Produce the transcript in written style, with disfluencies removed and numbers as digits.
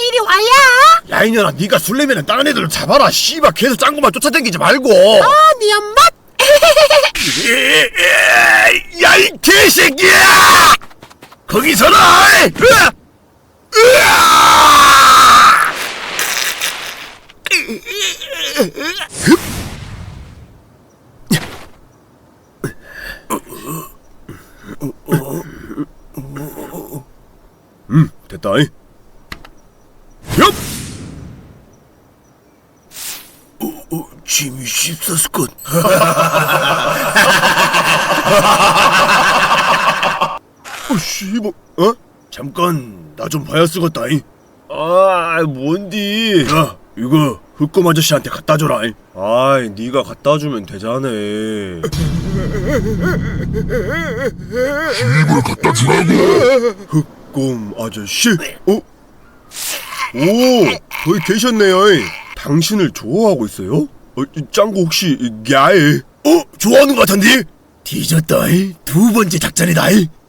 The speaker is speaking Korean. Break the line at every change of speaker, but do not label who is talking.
이리 와야.
야 이년아, 네가 술래면은 다른 애들을 잡아라. 씨발 계속 짱구만 쫓아다니지 말고.
네 엄마.
야 이 개새끼야! 거기 서라! 됐다. 엽! 짐이 씹었을 것. 씨발, 잠깐, 나 좀 봐야 쓰겄다잉. 뭔디? 야, 이거 흑검 아저씨한테 갖다 줘라. 아이, 네가 갖다 주면 되잖아.
이걸 갖다 주라고.
흑검 아저씨? 오, 거기 계셨네요. 당신을 좋아하고 있어요? 짱구 혹시 야해? 좋아하는 것 같은데? 뒤졌다. 두 번째 작전이다.